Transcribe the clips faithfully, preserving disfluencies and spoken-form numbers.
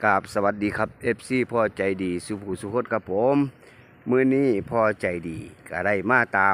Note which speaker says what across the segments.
Speaker 1: กราบสวัสดีครับ เอฟ ซี พ่อใจดีสุภูสุขดครับผมมื้อนี้พ่อใจดีก็ได้มาตาม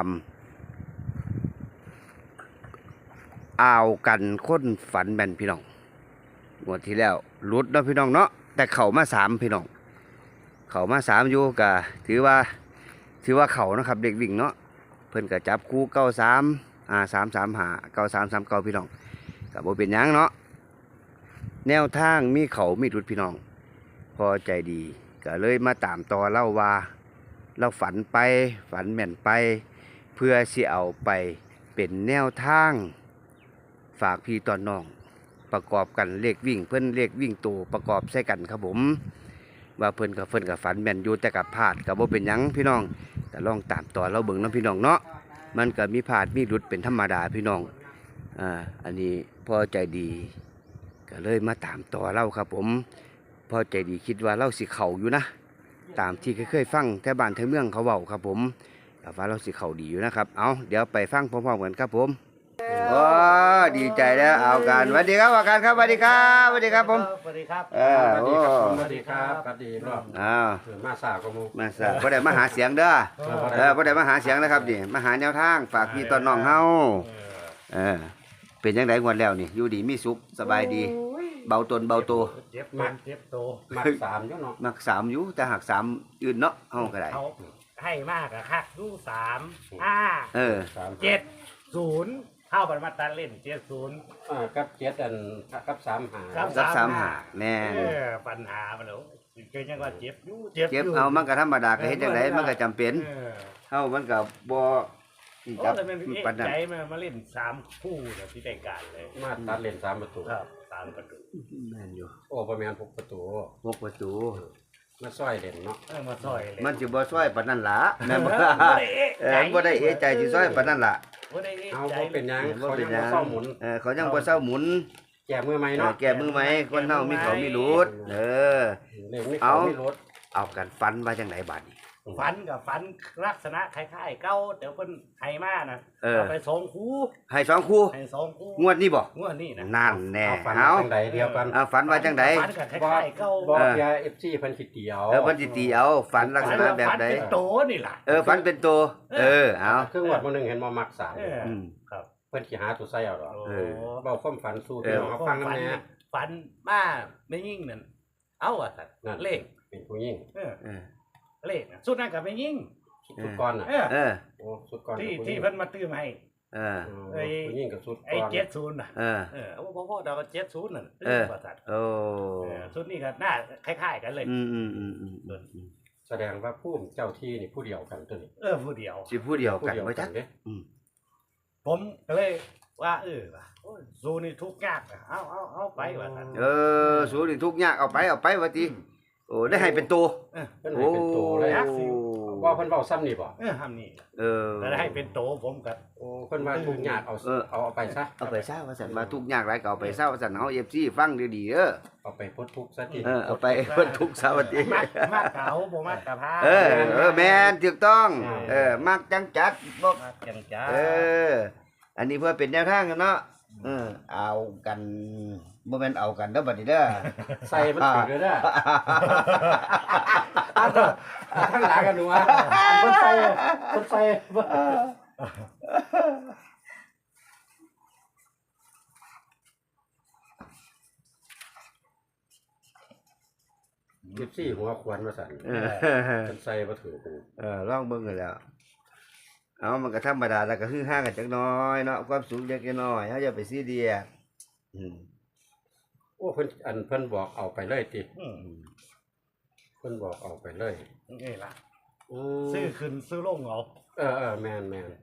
Speaker 1: อ่าวกันค้นฝันแม่นพี่น้องงวดที่แล้วหลุดเนาะพี่น้องเนาะแต่เข้ามาสามพี่น้องเข้ามาสามอยู่ก็ถือว่าถือว่าเข้านะครับเด็กวิ่งเนาะเพิ่นก็จับคู่เก้าสามอ่าสามสามหาเก้าสามสามเก้าพี่น้องก็บ่เป็นหยังเนาะแนวทางมีเขามีรุดพี่น้องพอใจดีก็เลยมาตามต่อเล่าว่าเราฝันไปฝันแม่นไปเพื่อสิเอาไปเป็นแนวทางฝากพี่ตอนน้องประกอบกันเลขวิ่งเพิ่นเลขวิ่งโตประกอบใส่กันครับผมว่าเพิ่นกับเพิ่นกับฝันแม่นอยู่แต่กับพลาดกับบ่เป็นหยังพี่น้องแต่ลองตามต่อเราเบิ่งน้ำพี่น้องเนาะมันก็มีพลาดมีหลุดเป็นธรรมดาพี่น้องอ่าอันนี้พอใจดีก็เลยมาตามต่อเล่าครับผมพอใจดีคิดว่าเล่าสิเข่าอยู่นะตามที่เคยฟังแถวบ้านแถวเมืองเขาเว้าครับผมแต่ว่าเราสิเข่าดีอยู่นะครับเอาเดี๋ยวไปฟังพร้อมๆกันครับผมโอ้ดีใจแล้วเอากันสวัสดีครับอาการครับสวัสดีครับสวัสดีครับผม
Speaker 2: สวัสดีครับ
Speaker 1: เออ
Speaker 3: สวัส
Speaker 1: โอ้
Speaker 3: ดีครับสวัสดีครับสวัสดีรอบ
Speaker 1: อ้าว
Speaker 3: มาสาวกมู
Speaker 1: มาซะบ่ได้มาหาเสียงเด้อเออบ่ได้มาหาเสียงนะครับนี่มาหาแนวทางฝากพี่ตอนน้องเฮาเออเป็นจังได๋งวดแล้วนี่อยู่ดีมีสุขสบายดีเบาตนเบาโต
Speaker 2: เจ็บมันเจ็บโต
Speaker 3: มักสามอยู่เนาะ
Speaker 1: มักสามอยู่แต่หักสามอื่นเนาะเฮาก็ได้
Speaker 2: เขาให้มากอะค่ะดูสามห้า
Speaker 1: เออ
Speaker 3: สาม
Speaker 2: เจ็ดศูนย์เข้าบันมาตันเล่นเจ็ดศูนย์
Speaker 3: อ่ากับเจ็ดอันกับสามหา
Speaker 2: ครับ
Speaker 1: สักสามหาแม่น
Speaker 2: เออปัญหามันเหรอเกิดยังว่าเจ็บอยู่เจ็บ
Speaker 1: เจ็บ
Speaker 2: อยู่
Speaker 1: เอามันก็ธรรมดาก็เฮ็ดจังไดมันก็จำเป็น
Speaker 2: เออ
Speaker 1: เฮามันก็บ่ที่
Speaker 2: โอ้
Speaker 1: จับ
Speaker 2: แต่มันเอ๊ะ
Speaker 1: ปานนั้น
Speaker 2: ใจมามาเล่นสามคู่เนี่ยที่แต่งการเลย
Speaker 3: มาตัดเลนสามประตู
Speaker 2: ครับสามประตู
Speaker 1: แม่นอยู่
Speaker 3: โอ้ประมาณหกประตู
Speaker 1: หกประตู
Speaker 3: มาซอยเด่นเนาะ
Speaker 2: เออมาซอยเลย
Speaker 1: มันสิบ่ซอยปานนั้นล่ะแม่นบ่
Speaker 2: เออบ่ได้เอ๊ะ
Speaker 1: เออบ่ได้เอะใจสิซอยปานนั้นล่ะ
Speaker 2: บ่ได้เอ๊ะ
Speaker 3: เอา
Speaker 2: ใจ
Speaker 3: บ่เป็นหยัง
Speaker 1: บ่
Speaker 3: เขา
Speaker 1: เป็
Speaker 3: ยั
Speaker 1: น
Speaker 3: ง
Speaker 1: หยั
Speaker 3: บ่
Speaker 1: ง
Speaker 3: เศร้าหมุน
Speaker 1: เออเขายังบ่เศร้าหมุน
Speaker 3: แก้มือไหม
Speaker 1: เออ
Speaker 3: เนาะ
Speaker 1: แก้มือไหมคนเฮามีเขามีรูดเออ
Speaker 3: เล่นไม่
Speaker 1: เอา
Speaker 3: เขาไม่ลด
Speaker 1: เอากันฟันว่าจังไดบัดนี้
Speaker 2: ฝันกับฝันลักษณะคล้ายๆเก้าเดี๋ยวเพิ่นให้มานะ
Speaker 1: เออ
Speaker 2: เอาไปสองคู่
Speaker 1: ให้สองคู่
Speaker 2: ให้สองคู่
Speaker 1: งวดนี้บ่
Speaker 2: งวดนี้นะ
Speaker 1: นั่นแน่
Speaker 3: เอาฟัน
Speaker 1: เอา
Speaker 3: ทางใดเดียวกัน
Speaker 1: เอาฝันว่าจังได
Speaker 2: ฝันกับคล้ายๆเก้า
Speaker 3: บ่
Speaker 1: เออ
Speaker 3: ยาเอฟซีเพิ่นสิเตียว
Speaker 1: เออเพิ่นสิตีเอาฝันลักษณะแบบใด
Speaker 2: ฝันเป็นโตนี่ล่ะ
Speaker 1: เออฝันเป็นตัวเออเอา
Speaker 3: ครึ่งวัดมื้อนึงเห็นบ่มักสาม
Speaker 2: เออ
Speaker 1: อืม
Speaker 2: ครับ
Speaker 3: เพิ่นสิหาตัวใส่เอาดอก
Speaker 2: โอ้
Speaker 1: เออ
Speaker 3: เว้าความฝันสู้
Speaker 1: เอ
Speaker 3: พี่
Speaker 1: อ
Speaker 3: น้องเขาฟังนำแน่
Speaker 2: ฝันมาไม่ยิ่งนั่นเอาอ่ะสัตว์
Speaker 3: นั่น
Speaker 2: เลข
Speaker 3: เป็นผู้หญิง
Speaker 2: เออ
Speaker 1: เออ
Speaker 2: เลขน่ะสุดนั้นกับไม่ยิ่ง
Speaker 3: สุดก่อนน่ะ
Speaker 2: เออ
Speaker 1: เออ
Speaker 3: โอ้สุดก่อน
Speaker 2: ที่
Speaker 3: กับผู้ห
Speaker 2: ที่
Speaker 3: ญิง
Speaker 2: เพิ่นมาตื้มให้
Speaker 1: เออ
Speaker 3: อืม
Speaker 2: ไอ้
Speaker 3: ผู้หญิงกับสุด
Speaker 2: ไอ้
Speaker 3: ก่อน
Speaker 2: เจ็ดศูนย์น่ะ
Speaker 1: เออ
Speaker 2: เออเอาพ่อพ่อดาวก็เจ็ดศูนย์น่ะ
Speaker 1: เออ
Speaker 2: ว่าสัตว์
Speaker 1: โอ้
Speaker 2: เออชุดนี้ก็หน้าคล้ายๆกันเลย
Speaker 1: อืมอืมอืมอืมอืม
Speaker 3: แสดงว่าผู้เจ้าที่นี่ผู้เดียวกันตัวนี้
Speaker 2: เออผู้เดียว
Speaker 1: สิผู้เดียว
Speaker 3: ผู้
Speaker 1: กัน
Speaker 3: เดียว
Speaker 1: บ่
Speaker 3: กั
Speaker 1: จั
Speaker 3: น
Speaker 1: ก
Speaker 3: เด้
Speaker 1: อืม
Speaker 2: ผมก็เลยว่าเออว่ะโอ้ยซูนี่ทุกข์ยากอะเอาเอาเอาไปว่าท่าน
Speaker 1: เออสู้นี่ทุกข์ยากเอาไปเอาไปว่าติโอ้ได้ให้เป็นตัว
Speaker 3: เพิ่นให้เป็นโตเลย
Speaker 2: ยักษ์สิ
Speaker 3: ว่าเพิ่นเว้าซ้ำนี่บ่
Speaker 2: เออทำนี่
Speaker 1: เออ
Speaker 2: แล้วให้เป็นโตผมกับ
Speaker 3: โอ้เพิ่นว่าทุกข์ยากเอา
Speaker 1: เออ
Speaker 3: เอาเอาไปซะ
Speaker 1: เอาไปเศร้าว่าสันมาทุกข์ยากหลายก็เอาไปเศร้าว่าสันเฮา เอฟ ซี ฟังดีๆเด้อ
Speaker 3: เอาไปพ้นทุกข์ซะที
Speaker 1: เออเอาไปเพิ่นทุกข์เศร้าว่าติ
Speaker 2: มากมากเก่าบ่มากกะพา
Speaker 1: เออเออแม่นถูกต้อง เออมักจังจัดบ่
Speaker 2: มากจังจ้า
Speaker 1: เออ อันนี้เพื่อเป็นแนวทางกันเนาะเออเอากันบ่แม่นเอากันเด้อบัดนี้เด้อ
Speaker 3: ใส่มันถือเลยเด้อข้างหลังกันหนูอ่ะเพิ่นใส่เพิ่นใส่สิบสี่หัวควรว่าสั่น
Speaker 1: เออ
Speaker 3: เพิ่นใส่บ่ถือกู
Speaker 1: เออลองเบิ่งกันแล้ว เอามันก็ธรรมดาแล้วก็ฮือฮากันจักหน้อยเนาะความสุขเล็กน้อยเฮาอย่าไปซีเรียสอืม
Speaker 3: โอ้เพิ่นอันเพิ่นบอกเอาไปเลยติ
Speaker 2: อืม
Speaker 3: เพิ่นบอกเอาไปเลย
Speaker 2: นี่ล่ะ
Speaker 3: อืม
Speaker 2: ซื้อขึ้นซื้อลงเอา
Speaker 3: เออเออแม่นแม่น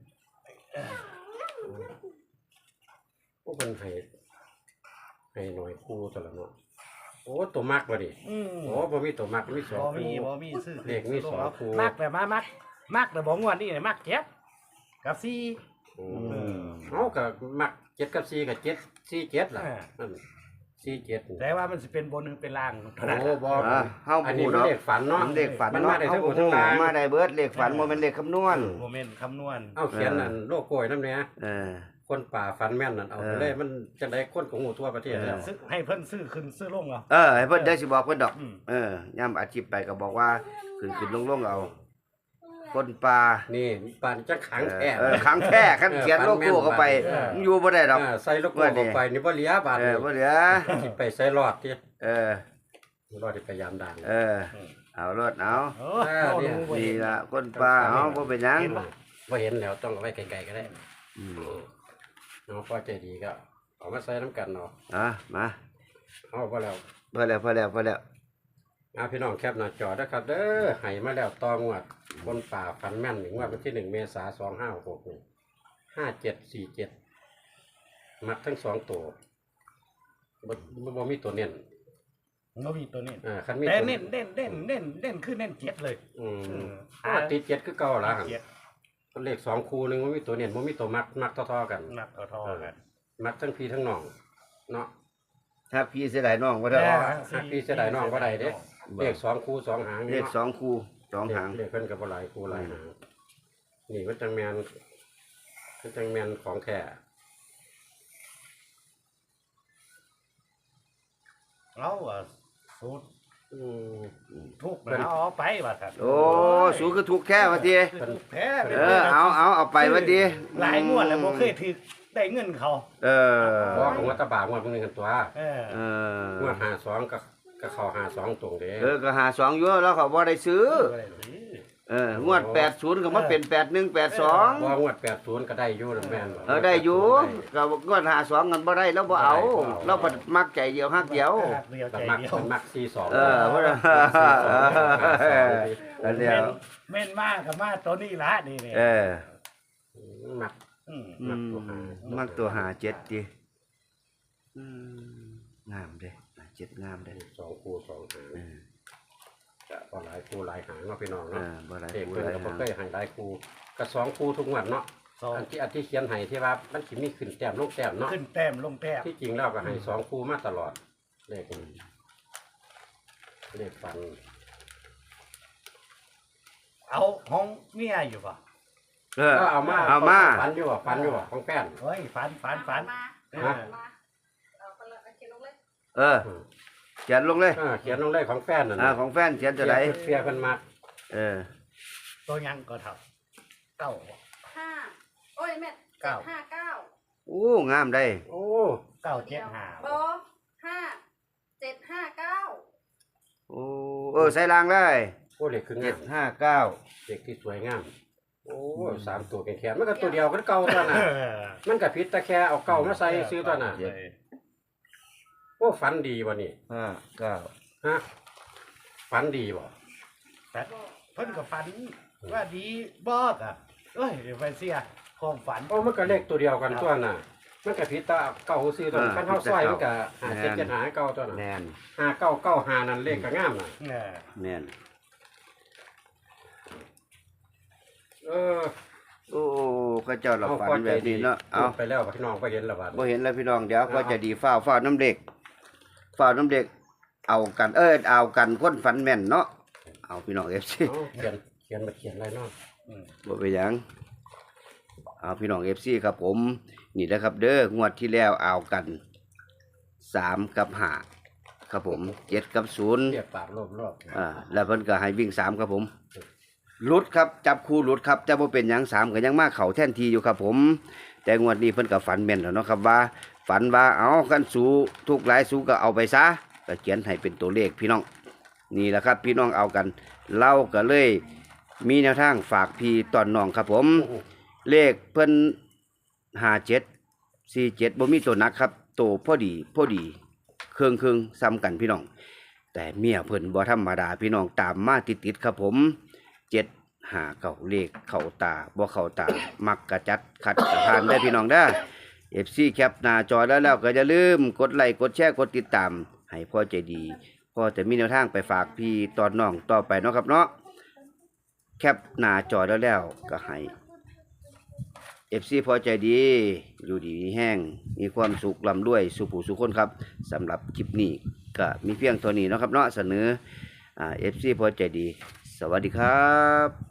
Speaker 3: โอ้เพิ่นให้ให้หน่อยคู่ตวละเนาะโอ้ตัวมักบ่ดิ
Speaker 2: อืม
Speaker 3: โอ้บ่มีตัวมักมีสอง
Speaker 2: บ่มี
Speaker 3: คู่
Speaker 2: บ่มีซื้อขึ้น
Speaker 3: เลขมีสอง
Speaker 2: เอา
Speaker 3: คู่
Speaker 2: มักแต่มามักมักแต่บ่งวดนี่มักเจ็ดกับสี่
Speaker 3: อืมเอาก็มักเจ็ดกับสี่กับเจ็ดสี่เจ็ดล่ะ
Speaker 2: อ่า
Speaker 3: นั่นสี่เจ็ด
Speaker 2: แต่ว่ามันสิเป็นบนหรือเป็นล่างเท่านั้น
Speaker 3: โอ้บ่
Speaker 1: อ่ะเฮา
Speaker 3: อัน
Speaker 1: พู
Speaker 3: นี้
Speaker 1: ด
Speaker 3: มัน
Speaker 1: เนาะ
Speaker 3: เลขฝันเนาะ
Speaker 1: มันเลขฝัน
Speaker 3: มัน
Speaker 1: เนาะ
Speaker 3: มาได้ทั้งหมด
Speaker 1: เฮา
Speaker 3: ทั้งหลาย
Speaker 1: มาได้เบิดเลขฝันบ่แม่นเลขคำนวณ
Speaker 2: โมเมนต์คำนวณ
Speaker 3: เอาเขียนอันโลโก้ไว้นำแหน่
Speaker 1: เออ
Speaker 3: คนป่าฟันแม่นนั่นเอาไปเลยมันจังได๋คนของหมู่ทั่วประเทศแล้ว
Speaker 2: ซื้อให้เพิ่นซื้อขึ้นซื้อลงเอา
Speaker 1: เออให้เพิ่นได้สิบอกเพิ่นดอก
Speaker 2: อืม
Speaker 1: เออย่ำอาชีพไปก็บอกว่าขึ้นขึ้นลงลงเอาคนปลา
Speaker 3: นี่ป่านจังขังแท้
Speaker 1: เออขังแท้คันเขียนโลโก้เข้าไปอยู่บ่ได้ดอก
Speaker 3: อ่าใส่โลโก้เข้าไปนี่บ่เหลือบาด
Speaker 1: เอ
Speaker 3: นี้
Speaker 1: อบ่เหลือ
Speaker 3: สิไปใส่รอดติ
Speaker 1: เออ
Speaker 3: รอดที่พยายามดัง
Speaker 1: เออเอารถเอา
Speaker 2: เออเอาดูบ่
Speaker 1: นี่
Speaker 2: เห็น
Speaker 1: ล่ะคนปลาเอาบ่เป็นหยัง
Speaker 3: บ่เห็นแล้วต้องเอาไว้ไกลๆก็ได้
Speaker 1: อืม
Speaker 3: เนาะพอใจดีก็เอามาใส่น้ำกันเนาะ
Speaker 1: อ่ะมา
Speaker 3: เอาพอแล้ว
Speaker 1: พอแล้วพอแล้วพอแล้ว
Speaker 3: เอาพี่น้องแคปหน้าจอนะครับเด้อให้มาแล้วต่องวดบนป่าฟันแม่นหนึ่งงวดวันที่หนึ่งเมษายนสองห้าหกนี่ห้าเจ็ดสี่เจ็ดมัดทั้งสองตัวบ่บ่บ่มีตัวเน้น
Speaker 2: บ่มีตัวนี้
Speaker 3: อ่าคันมี
Speaker 2: แต่
Speaker 3: ตัว
Speaker 2: เน้นเน้นเน้นเน้นเน้นคือเน้นเจ็ดเลย
Speaker 3: อืม
Speaker 2: เออ
Speaker 3: อ่าติดเจ็ดคือเก่าละหั่น
Speaker 2: เจ็ด
Speaker 3: เลขสองคู่หนึงบ่มีตัวเน้นบ่มีตัวมัดมัดเท่อๆกัน
Speaker 2: นับเอาทอกัน
Speaker 3: มัดทั้งพี่ทั้งน้องเนาะ
Speaker 1: ถ้าพี่เสียดายน้องบ่ได้
Speaker 2: แม่
Speaker 3: หักพี่เสียดายน้องบ่ได้เด้ เลขสองคู่สองหาง
Speaker 1: เล
Speaker 3: นี่
Speaker 1: ข
Speaker 3: เนาะ
Speaker 1: สองคู่สองหาง
Speaker 3: เลขเพิ่นก็บ่หลายคู่หลายหางนี่มันจังแม่นมันจังแม่นของแท้
Speaker 2: เอาอ่ะสูตร
Speaker 3: อืม
Speaker 2: ทุกนะเอาไปว่าท่าน
Speaker 1: โอ้สูงคือถูกแค่ว่าติ
Speaker 2: คือทุกแท้
Speaker 1: เออเอาเอาเอาไปว่าติ
Speaker 2: หลายงวดแล้วบ่เคยถือได้เงินเขา
Speaker 1: เออ
Speaker 3: เพราะว่าของวัดตะบากงวดมึงนึงกันตัว
Speaker 2: เออ
Speaker 1: เออง
Speaker 3: วดห้าสองก็ก็เข้าห้าสองตรงเด้
Speaker 1: เออก็หาสองอยู่แล้วเขาบ่ได้ซื้อ
Speaker 2: บ่ได้หรอกนี่
Speaker 1: เอองวดแปดศูนย์ก็มาเป็นแปดหนึ่งแปดสอง
Speaker 3: เพราะว่างวดแปดศูนย์ก็ได้อยู่นะแม่นบ่
Speaker 1: เออได้อยู่ก็งวดหาสองกันบ่ได้แล้วบ่เอาเราก็มักใจเดียวฮักเดียว
Speaker 2: เดียว
Speaker 3: แต่
Speaker 2: ใจ
Speaker 3: มัก
Speaker 2: เดียว
Speaker 3: มันมักสี่สอง
Speaker 1: เออเพราะว่าอันเดียว
Speaker 2: แม่นมากกับมาตัวนี้ละนี่นี่
Speaker 1: เออ
Speaker 3: มัก
Speaker 2: อืม
Speaker 1: อืมมักตัวหาเจ็ดดิอืมงามเด้หาเจ็ดงามเด้
Speaker 3: สองคู่สองหาง
Speaker 1: เออ
Speaker 3: จะพอหลายคู่หลายหางเนาะพี่น้อง
Speaker 1: เอ
Speaker 3: เนาะ
Speaker 1: อบ่ได้
Speaker 3: เด็ก
Speaker 1: บ่
Speaker 3: เพิ่น
Speaker 1: ได้
Speaker 3: ก็บ่
Speaker 1: หา
Speaker 3: เคยให้หลายคู่ก็สองคู่ทุกงวดเนาะ
Speaker 2: สอง
Speaker 3: อันที่อันที่เขียนให้ที่ว่ามันสิมีขึ้นแต้มลงแต้มเนาะ
Speaker 2: ขึ้นแต้มลงแต้ม
Speaker 3: ที่จริงแล้วก็ให้สองคู่มาตลอดเลขนี้เลขฟัน
Speaker 2: เอาห้องเมียอยู่ป่ะ
Speaker 1: เออ
Speaker 3: ก็เอามา
Speaker 1: เอามา
Speaker 3: ฟันอยู่บ่ฟันอยู่บ่ของแป้น
Speaker 2: เฮ้ยฝันฝันฝัน
Speaker 4: มา
Speaker 2: เอ
Speaker 3: ฮะ
Speaker 2: อ
Speaker 4: มาเอาไปเลยเอาเขียนลงเลย
Speaker 1: เออเขียนลงเลย
Speaker 3: อ่าเขียนลงเลขของแป้นนั่น
Speaker 1: อ่า
Speaker 3: น่ะ
Speaker 1: ของแฟนเขียนจะได้
Speaker 3: เฟียเพิ่นมัก
Speaker 1: เออ
Speaker 2: ตัวยังก็เท่าเก้า
Speaker 4: ห้าโอ้ยแม่
Speaker 2: เก้า
Speaker 4: ห้าเก้า
Speaker 1: โอ้งามได้
Speaker 3: โอ้
Speaker 2: เก้าเจ็ดห้า
Speaker 4: โบห้าเจ็ดห้าเก้า
Speaker 1: โอ้เออใส่รางได้
Speaker 3: โอ้เลขคืองา
Speaker 1: เจ็
Speaker 3: ม
Speaker 1: ดห้าเก้า
Speaker 3: เลขที่สวยงามโอ้สามตัวแขนๆมันก็ตัวเดียวกันเก่าตัวน่ะ
Speaker 2: เออ
Speaker 3: มันก็ผิดแต่แค่เอาเก่ามาใส่ซื้อตัวน่ะโอ้ฝันดีบ่นี่
Speaker 1: ห้าเก้า
Speaker 3: ฮะฝันดีบ่
Speaker 2: แต่เพิ่นก็ฝันว่าดีบอกอ่ะเอ้ยเดี๋ยวไปเสียความฝัน
Speaker 3: โอ้มันก็เลขตัวเดียวกันตัวน่ะ มันก็ผิดแต่เก่าซื้อตัวนั้นคันเฮาซอยมันก็หาเจ็ดเจ็ดหาเก่าตัวน่ะ
Speaker 1: แน่น
Speaker 3: หาเก้าเก้าหานั่นเลขก็งามน่ะ
Speaker 2: เออ
Speaker 1: แน่น
Speaker 3: เออ
Speaker 1: โอ้ก็เจ้าเราฝันแบบนี้เนาะเอา
Speaker 3: ไปแล้วพี่น้องไปเห็นแล้วบัด
Speaker 1: บ่เห็นแล้วพี่น้องเดี๋ยวก็จะดีฟ้าวฟ้าวน้ำเด็กฟ้าวน้ำเด็ก เอากันเออเอากันคนฝันแม่นเนาะเอาพี่น้องเอฟซี
Speaker 3: เอาเขียนเขียนมาเขียนอะไรเนาะ
Speaker 2: อืม
Speaker 1: บ่ไปนหยังเอาพี่น้องเอฟซีครับผม นี่นะครับ เด้องวดที่แล้วเอากันสามกับห้าครับผมเจ็ดกับศูนย์
Speaker 3: เรียกปากรอบๆ
Speaker 1: อ่าแล้วเพิ่นก็ให้วิ่งสามครับผมหลุดครับจับคู่หลุดครับแต่บ่เป็นหยังสามก็ยังมาเข้าแท่นทีอยู่ครับผม แต่งวดนี้เพิ่นก็ฝันแม่นแล้วเนาะครับว่า ฝันว่าเอากันสูทุกหลายสูก็เอาไปซะก็เขียนให้เป็นตัวเลขพี่น้อง นี่แหละครับพี่น้องเอากันเล่าก็เลยมีแนวทางฝากพี่ตอนน้องครับผม เลขเพิ่นห้าเจ็ดสี่เจ็ดบ่มีตัวหนักครับโตพอดีพอดีเครื่องเครื่องๆซ้ำกันพี่น้อง แต่เมียเพิ่นบ่ธรรมดาพี่น้องตามมาติดๆครับผมเจ็ดหาเก่าเลขเข้าตาบ่เข้าตา มักกระจัดขัดกระพานได้พี่น้องเด้อ เอฟ ซี แคปหน้าจอแล้วแล้วก็อย่าลืมกดไลค์กดแชร์กดติดตาม ให้พ่อใจดีพ่อจะมีแนวทางไปฝากพี่ตอนน้องต่อไปเนาะครับเนาะแคปหน้าจอแล้วแล้วก็ให้ เอฟ ซี พอใจดีอยู่ดีมีแห้งมีความสุขลำด้วยสุผู้สุขคนครับสำหรับคลิปนี้ก็มีเพียงเท่านี้เนาะครับเนาะเสนออ่า เอฟ ซี พอใจดี สวัสดีครับ